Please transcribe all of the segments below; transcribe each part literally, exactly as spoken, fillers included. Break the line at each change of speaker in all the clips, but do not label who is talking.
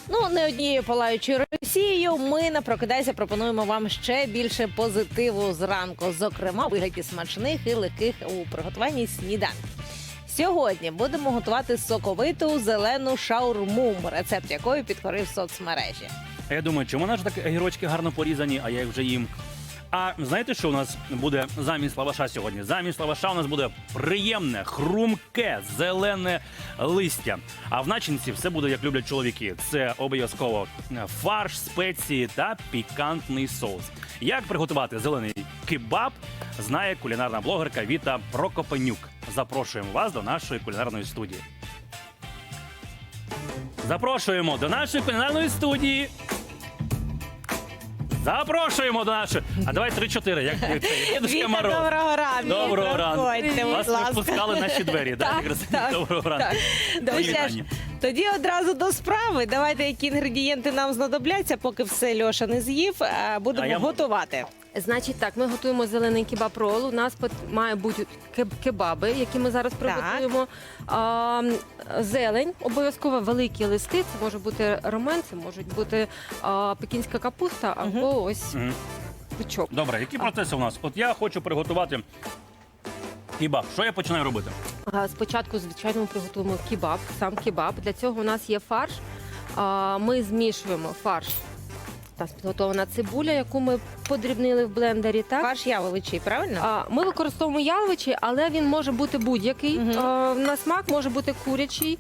Ну, не однією палаючою Росією, ми на «Прокидайся» пропонуємо вам ще більше позитиву зранку, зокрема, у вигляді смачних і легких у приготуванні сніданків. Сьогодні будемо готувати соковиту зелену шаурму, рецепт якої підкорив соцмережі.
А я думаю, чому наші так огірочки гарно порізані, а я їх вже їм. А знаєте, що у нас буде замість лаваша сьогодні? Замість лаваша у нас буде приємне, хрумке, зелене листя. А в начинці все буде, як люблять чоловіки. Це обов'язково фарш, спеції та пікантний соус. Як приготувати зелений кебаб, знає кулінарна блогерка Віта Прокопенюк. Запрошуємо вас до нашої кулінарної студії. Запрошуємо до нашої кулінарної студії. Запрошуємо до нашої. А давай три-чотири, як це, Дідушка
Віта,
Мороз.
доброго ранку.
Доброго ранку.
Проходьте, будь
Вас
ласка.
випускали наші двері.
Так,
Так,
так,
доброго ранку.
Ну,
Мої
що ж,
вітання.
тоді одразу до справи. Давайте, які інгредієнти нам знадобляться, поки все Льоша не з'їв, а будемо
А я можу.
готувати.
Значить так, ми готуємо зелений кебаб-рол. У нас пот- має бути кеб- кебаби, які ми зараз приготуємо. А, зелень, обов'язково великі листи. Це може бути ромен, це можуть бути а, пекінська капуста або ось
Мгм.
бичок.
Добре, які процеси у нас? От я хочу приготувати кебаб. Що я починаю робити?
А, Спочатку, звичайно, ми приготуємо кебаб, сам кебаб. Для цього у нас є фарш. А, Ми змішуємо фарш. У нас підготовлена цибуля, яку ми подрібнили в блендері. Так?
Фарш яловичий, правильно?
А, Ми використовуємо яловичий, але він може бути будь-який.
Мгм.
А, На смак може бути курячий.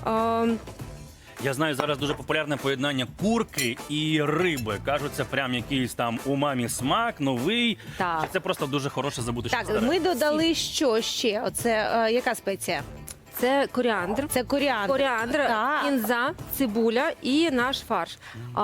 А,
Я знаю, зараз дуже популярне поєднання курки і риби. Кажуть, це прям якийсь там умамі смак, новий.
Так.
Чи це просто дуже хороше забути, що
Так,
старе?
ми додали що ще? Оце е, яка спеція?
Це коріандр.
Це коріандр.
Коріандр,
Так.
кінза, цибуля і наш фарш.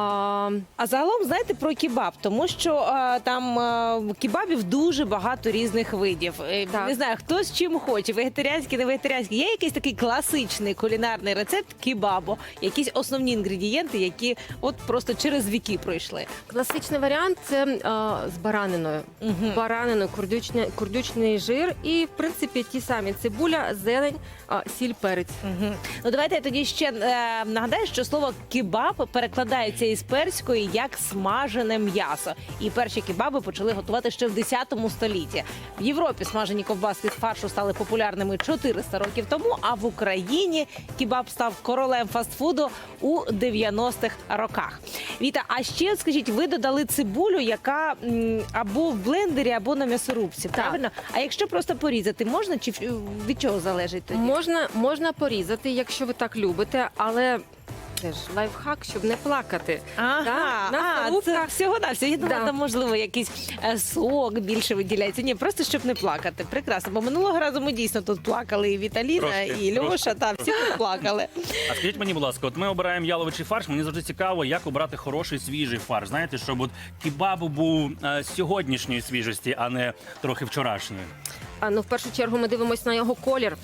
А,
А загалом, знаєте, про кебаб, тому що е, там е, кебабів дуже багато різних видів. Е,
Так.
Не знаю, хто з чим хоче, вегетаріанський, не вегетаріанський. Є якийсь такий класичний кулінарний рецепт кебабу, якісь основні інгредієнти, які от просто через віки пройшли.
Класичний варіант це а, з бараниною.
Мгм.
Бараниною, курдючний, курдючний жир і, в принципі, ті самі цибуля, зелень, а, сіль, перець.
Мгм. Ну давайте я тоді ще е, нагадаю, що слово кебаб перекладається із перської як смажене м'ясо. І перші кебаби почали готувати ще в десятому столітті. В Європі смажені ковбаски з фаршу стали популярними чотириста років тому, а в Україні кебаб став королем фастфуду у дев'яностих роках. Віта, а ще от скажіть, ви додали цибулю, яка м, або в блендері, або на м'ясорубці, правильно? А якщо просто порізати, можна чи від чого залежить тоді?
Можна, можна порізати, якщо ви так любите, але це ж лайфхак, щоб не плакати.
Ага,
Так,
а,
м'ясорубка.
це всього на все. Я думала,
Да.
там можливо якийсь е, сок більше виділяється. Ні, просто щоб не плакати. Прекрасно. Бо минулого разу ми дійсно тут плакали і Віталіна,
Трошки,
і Льоша.
трошки,
Та всі тут плакали.
А скажіть мені, будь ласка, от ми обираємо яловичий фарш. Мені завжди цікаво, як обрати хороший свіжий фарш. Знаєте, щоб от кебаб був е, сьогоднішньої свіжості, а не трохи вчорашньої.
А, ну, в першу чергу ми дивимося на його колір.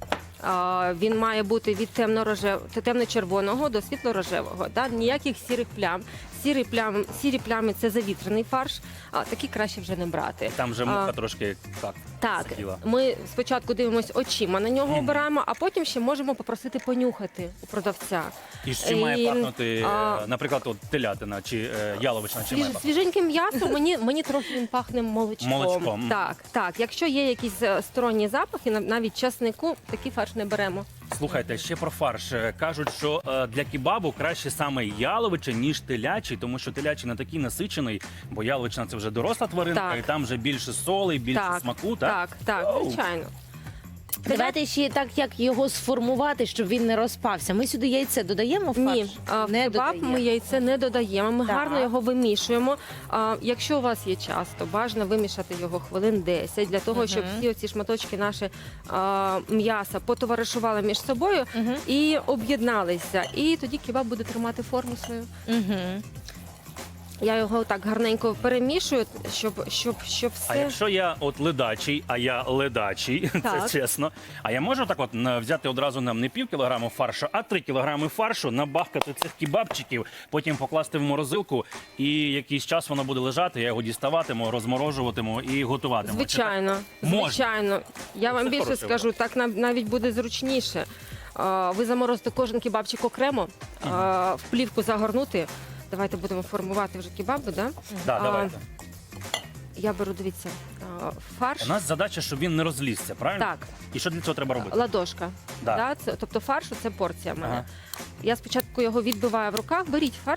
А, він має бути від темно-рожев... темно-червоного до світло-рожевого. Да? Ніяких сірих плям. Сірі плями, сірі плями – це завітрений фарш, а такі краще вже не брати.
Там вже муха
А,
трошки так.
Так,
сиділа.
ми спочатку дивимося очима на нього,
Мгм.
обираємо, а потім ще можемо попросити понюхати у продавця.
І з чим має
І,
пахнути, е,
а,
наприклад, от телятина чи е, яловична, чи має
Свіж,
пахнути?
свіженьким м'ясом мені, мені трохи він пахне молочком.
Молочком.
Так, так. Якщо є якісь е, сторонні запахи, нав- навіть часнику, такий фарш не беремо.
Слухайте, ще про фарш. Е, Кажуть, що е, для кебабу краще саме яловичий, ніж телячий, тому що телячий не такий насичений, бо яловична – це вже доросла тваринка,
Так.
і там вже більше соли, більше
Так,
смаку, так?
Так, так,
Оу.
звичайно.
Давайте ще так, як його сформувати, щоб він не розпався. Ми сюди яйце додаємо в фарш?
Ні, а, в
не
кебаб
додаємо.
ми яйце не додаємо. Ми
Так.
гарно його вимішуємо. А, якщо у вас є час, то бажано вимішати його хвилин десять, для того, щоб
Мгм.
всі оці шматочки наші а, м'яса потоваришували між собою
Мгм.
і об'єдналися. І тоді кебаб буде тримати форму свою.
Мгм.
Я його так гарненько перемішую, щоб, щоб, щоб
А
все.
якщо я от ледачий, а я ледачий, це
Так.
чесно. А я можу так от на- взяти одразу нам не пів кілограму фаршу, а три кілограми фаршу, набахкати цих кебабчиків, потім покласти в морозилку, і якийсь час воно буде лежати, я його діставатиму, розморожуватиму і готуватиму. Чи так?
Звичайно,
Можна.
звичайно. Я вам
Це
більше
хороший
скажу, так нам навіть буде зручніше. а, ви заморозите кожен кебабчик окремо, а, в плівку загорнути. Давайте будемо формувати вже кебаби, да?
Да,
А,
давайте.
Я беру, дивіться, а, фарш.
У нас задача, щоб він не розлізся, правильно?
Так,
І що для цього треба робити?
ладошка.
Да.
Да, це, тобто фаршу це порція в мене.
Ага.
Я спочатку його відбиваю в руках. Беріть фарш.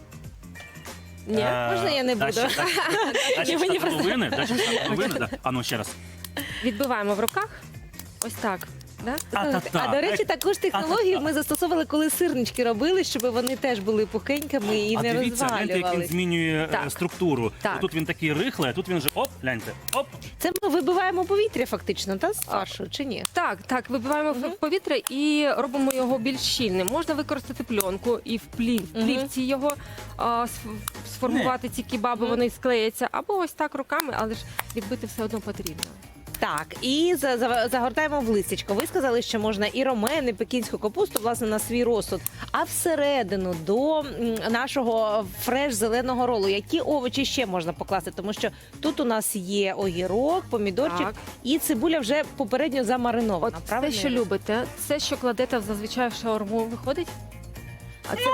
Ні.
Е,
можна я не
дай
буду?
ще- дай ще- дай ще
Ні, мені
штат
просто-
половини, дай ще штат половини, да. А ну ще раз.
Відбиваємо в руках. Ось так. Да?
А, та, та.
А до речі, також технологію ми застосовували, коли сирнички робили, щоб вони теж були пухенькими і
А
не
дивіться, гляньте, як він
розвалювались.
змінює е,
Так.
структуру.
Так.
Тут він такий рихлий, а тут він вже оп, гляньте, оп.
Це ми вибиваємо повітря фактично, та з фаршу, чи ні?
Так, так, вибиваємо в повітря і робимо його більш щільним. Можна використати пленку і в плів, в
Мгм.
плівці його а, сф- сформувати ці кебаби,
Мгм.
вони склеяться. Або ось так руками, але ж відбити все одно потрібно.
Так, і за- за- загортаємо в листячко. Ви сказали, що можна і ромен, і пекінську капусту, власне, на свій розсуд. А всередину до м, нашого фреш зеленого ролу, які овочі ще можна покласти? Тому що тут у нас є огірок, помідорчик
Так.
і цибуля вже попередньо
От
замаринована.
все,
правильно?
що любите, все, що кладете зазвичай в шаурму, виходить? А це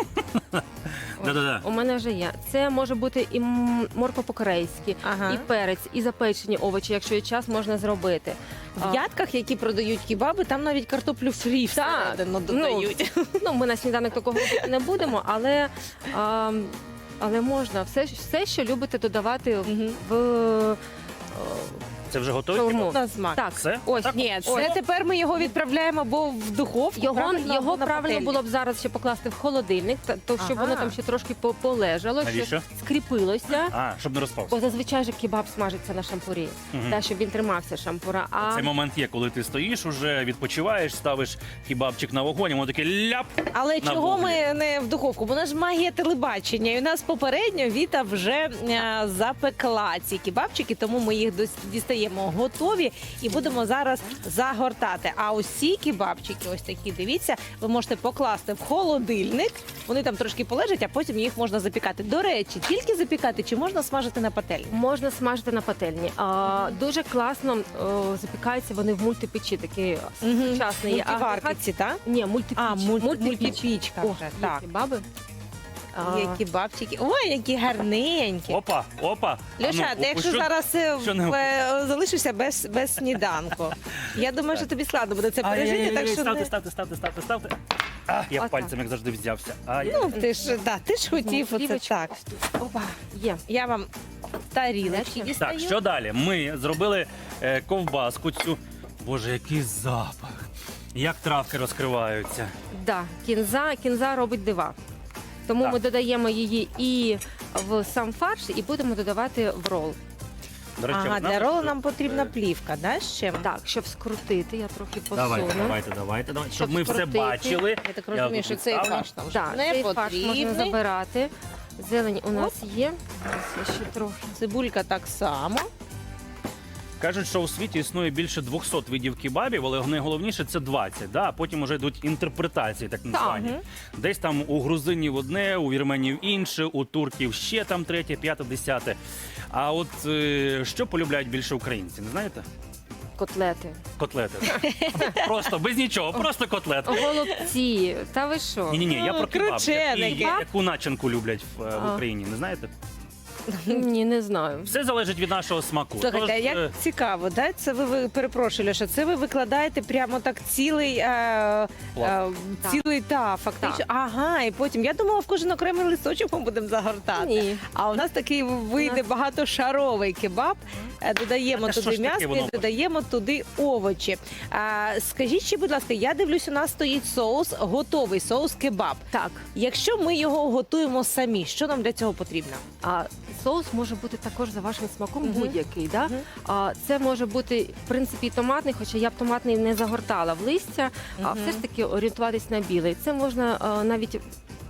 Да-да-да.
у мене вже є. Це може бути і м- морква по-корейськи,
Ага.
і перець, і запечені овочі, якщо є час, можна зробити. А,
В ядках, які продають кебаби, там навіть картоплю фрі
Так,
всередину додають.
Ну, ми на сніданок такого робити не будемо, але, а, але можна все, все, що любите додавати
Мгм.
в е,
Це вже готові?
шаурму.
На смак.
Так,
Все?
ось.
Так?
Ні, це
Ось.
тепер ми його відправляємо або в духовку.
Його,
правильно,
його
або на
правильно
пательню.
було б зараз ще покласти в холодильник, та- то щоб
Ага.
воно там ще трошки по- полежало,
Навіщо?
щоб скріпилося.
А, щоб не розпався.
Бо зазвичай же кебаб смажиться на шампурі,
Мгм.
та, щоб він тримався шампура. А
Цей момент є, коли ти стоїш, уже відпочиваєш, ставиш кебабчик на вогонь, і воно таке ляп.
Але
на
чого
вуглі.
ми не в духовку? Бо у нас ж магія телебачення. І у нас попередньо Віта вже е, запекла ці кебабчики, тому ми їх дос- дістаємо готові і будемо зараз загортати. А ось ці кебабчики, ось такі, дивіться, ви можете покласти в холодильник. Вони там трошки полежать, а потім їх можна запікати. До речі, тільки запікати чи можна смажити на пательні?
можна смажити на пательні. А, дуже класно о, запікаються вони в мультипечі, такі сучасний
Мультиварки
агрегат.
ці, так?
Ні, мультипіч.
А, мульт- мультипічка
О,
вже,
є
так.
кебаби. А,
Є кебабчики. Ой, які гарненькі.
Опа, опа.
Льоша,
А ну,
ти якщо
що-
зараз е,
що не-
в- е, залишишся без, без сніданку, я думаю, що тобі складно буде це пережити,
Ай-яй-яй,
так що
ставте,
не...
ставте, ставте, ставте, ставте. А, я
Отак.
пальцем, як завжди, взявся. Ай.
Ну, ти ж, да, ти ж хотів оце
Плівочку.
так.
Опа, є.
Я вам тарілочки
Так,
дістаю.
Так, що далі? Ми зробили е, ковбаску цю. Боже, який запах. Як травки розкриваються.
Да, кінза, кінза робить дива. Тому
Так.
ми додаємо її і в сам фарш, і будемо додавати в рол.
До речі,
Ага,
ви знали,
для ролу
що-
нам потрібна
Е,
плівка, да, ще?
Так, щоб скрутити, я трохи посуну.
Давайте, давайте, давайте, давайте. Щоб
Щоб
ми все
скрутити.
бачили.
Я так розумію,
тут
що цей
відставлю.
фарш нам
Так,
не
цей фарш можна
потрібний.
забирати. Зелень у нас є. Ось я ще трохи.
Цибулька так само.
Кажуть, що у світі існує більше двохсот видів кебабів, але найголовніше це двадцять. Да? А потім вже йдуть інтерпретації, так названі.
Мгм.
Десь там у грузинів одне, у вірменів інше, у турків ще там третє, п'яте, десяте. А от е, що полюбляють більше українці, не знаєте?
Котлети.
Котлети. Просто без нічого, просто котлети.
Голубці. Та ви що?
Ні, ні, ні, я
Ну,
про кебаб.
крученики.
Які- Яку начинку люблять в, е, в
А.
Україні, не знаєте?
Ні, не знаю.
Все залежить від нашого смаку.
Слухайте,
Тож,
як
е,
цікаво, да? Це ви, ви перепрошую, Льоша, це ви викладаєте прямо так цілий, е, е,
Пласт.
цілий та фактично.
Так.
Ага, і потім я думала, в кожен окремий листочок ми будемо загортати.
Ні.
А у нас такий вийде багатошаровий кебаб. Е, Додаємо
А що
туди
ж таке
м'ясо
воно?
і додаємо туди овочі. А, скажіть ще, будь ласка, я дивлюсь, у нас стоїть соус, готовий соус кебаб.
Так.
Якщо ми його готуємо самі, що нам для цього потрібно?
А соус може бути також за вашим смаком
Мгм.
будь-який. Да?
Мгм.
А, це може бути, в принципі, і томатний, хоча я б томатний не загортала в листя, а
Мгм.
все ж таки орієнтуватись на білий. Це можна а, навіть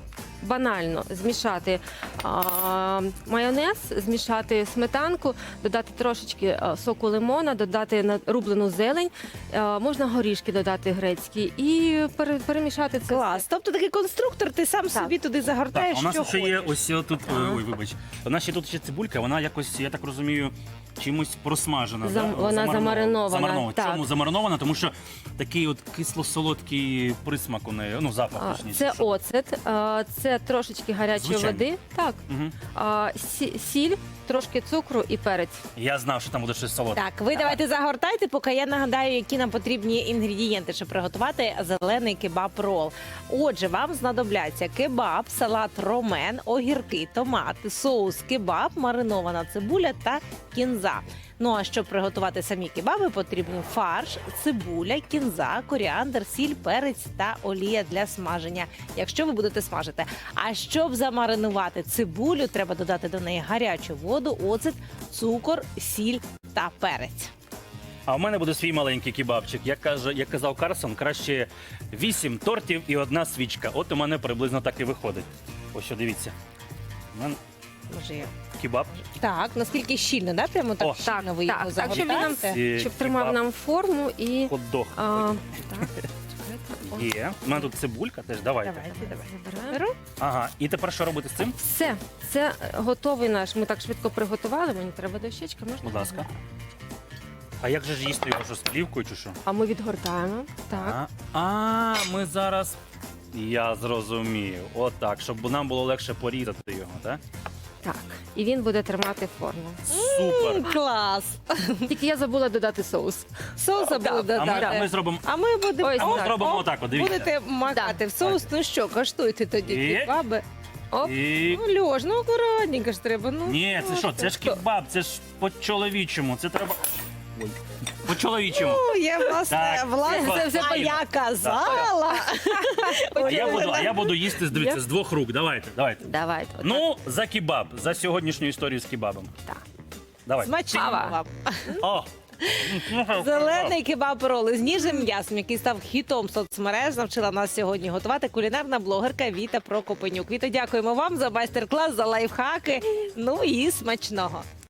банально змішати а, майонез, змішати сметанку, додати трошечки а, соку лимона, додати на- рублену зелень, а, можна горішки додати грецькі і пере- перемішати це.
Клас. Тобто такий конструктор, ти сам
Так.
собі туди
Так,
загортаєш,
а у нас
що
ще є
хочеш.
ось тут. Ой, вибач. У нас ще тут ще цибулька, вона якось, я так розумію, чимось просмажена.
Зам-
да?
вона замаринована,
Замаринована.
так.
Чому замаринована? Тому що такий от кисло-солодкий присмак у неї, ну запах
А,
точніше.
Це
що-
оцет, а, це трошечки гарячої
Звичайно.
води, так,
Мгм.
а, сі- сіль, трошки цукру і перець.
Я знав, що там буде щось солодке.
Так, ви давайте загортайте, поки я нагадаю, які нам потрібні інгредієнти, щоб приготувати зелений кебаб-рол. Отже, вам знадобляться кебаб, салат ромен, огірки, томати, соус кебаб, маринована цибуля та кінза. Ну а щоб приготувати самі кебаби, потрібен фарш, цибуля, кінза, коріандр, сіль, перець та олія для смаження, якщо ви будете смажити. А щоб замаринувати цибулю, треба додати до неї гарячу воду, оцет, цукор, сіль та перець.
А в мене буде свій маленький кебабчик. Як каже, як казав Карсон, краще вісім тортів і одна свічка. От у мене приблизно так і виходить. Ось що, дивіться. У мене
Може, я-
кебаб.
Так, наскільки щільно, да? Прямо так
О.
щільно ви його
Так, так, щоб він нам
загортаєте?
Ці
щоб тримав
кебаб.
нам форму і
Хот-дог.
а, так, чекайте, о,
Є. У мене тут цибулька теж. Давайте.
Давайте, давайте.
забираємо.
Беру.
Ага. І тепер що робити з цим?
Все, це готовий наш. Ми так швидко приготували. Мені треба дощечка, можна?
Будь ласка. А як же ж їсти його що з плівкою чи що?
А ми відгортаємо. Так.
А, а ми зараз. Я зрозумів. Отак, щоб нам було легше порізати його, так?
Так. І він буде тримати форму.
Супер.
Клас!
Тільки я забула додати соус.
Соуса
Да.
буде
А ми, а ми
додати.
зробимо.
А ми будемо
Ось
А ми
так.
зробимо
О,
отак, от, дивіться.
будете макати в соус. Ну що, коштуйте тоді
І?
кебаби.
Оп.
І...
Ну, Льош, ну акуратненько ж треба. Ну,
Ні, це що? Це ж кебаб, це ж по-чоловічому. Це треба. Ой. По-чоловічому.
Ну, я власне,
Так,
власне,
це
це вже
файно.
я казала.
А я буду, а я буду їсти, дивіться,
Я-
з двох рук. Давайте, давайте.
Давайте. отак.
Ну, за кебаб, за сьогоднішню історію з кебабом.
Так.
Давай.
Смачного
Ава.
вам.
О!
Зелений кебаб-роли з ніжним м'ясом, який став хітом соцмереж, навчила нас сьогодні готувати кулінарна блогерка Віта Прокопенюк. Віта, дякуємо вам за майстер-клас, за лайфхаки. Ну і смачного.